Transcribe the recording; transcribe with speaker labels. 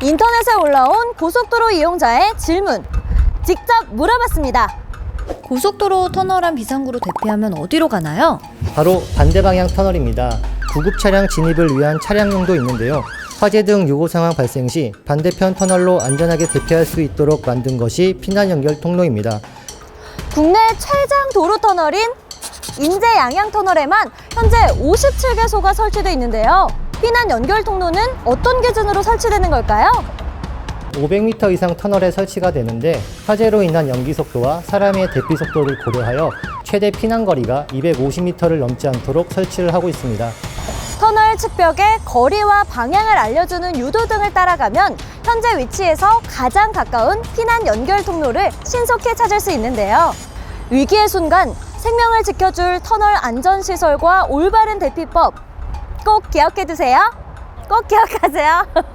Speaker 1: 인터넷에 올라온 고속도로 이용자의 질문, 직접 물어봤습니다. 고속도로 터널안 비상구로 대피하면 어디로 가나요?
Speaker 2: 바로 반대 방향 터널입니다. 구급 차량 진입을 위한 차량용도 있는데요. 화재 등 요고 상황 발생 시 반대편 터널로 안전하게 대피할 수 있도록 만든 것이 피난 연결 통로입니다.
Speaker 1: 국내 최장 도로 터널인 인제 양양 터널에만 현재 57개소가 설치되어 있는데요. 피난 연결 통로는 어떤 기준으로 설치되는 걸까요?
Speaker 2: 500m 이상 터널에 설치가 되는데 화재로 인한 연기 속도와 사람의 대피 속도를 고려하여 최대 피난 거리가 250m를 넘지 않도록 설치를 하고 있습니다.
Speaker 1: 터널 측벽에 거리와 방향을 알려주는 유도등을 따라가면 현재 위치에서 가장 가까운 피난 연결 통로를 신속히 찾을 수 있는데요. 위기의 순간 생명을 지켜줄 터널 안전시설과 올바른 대피법 꼭 기억해 두세요. 꼭 기억하세요.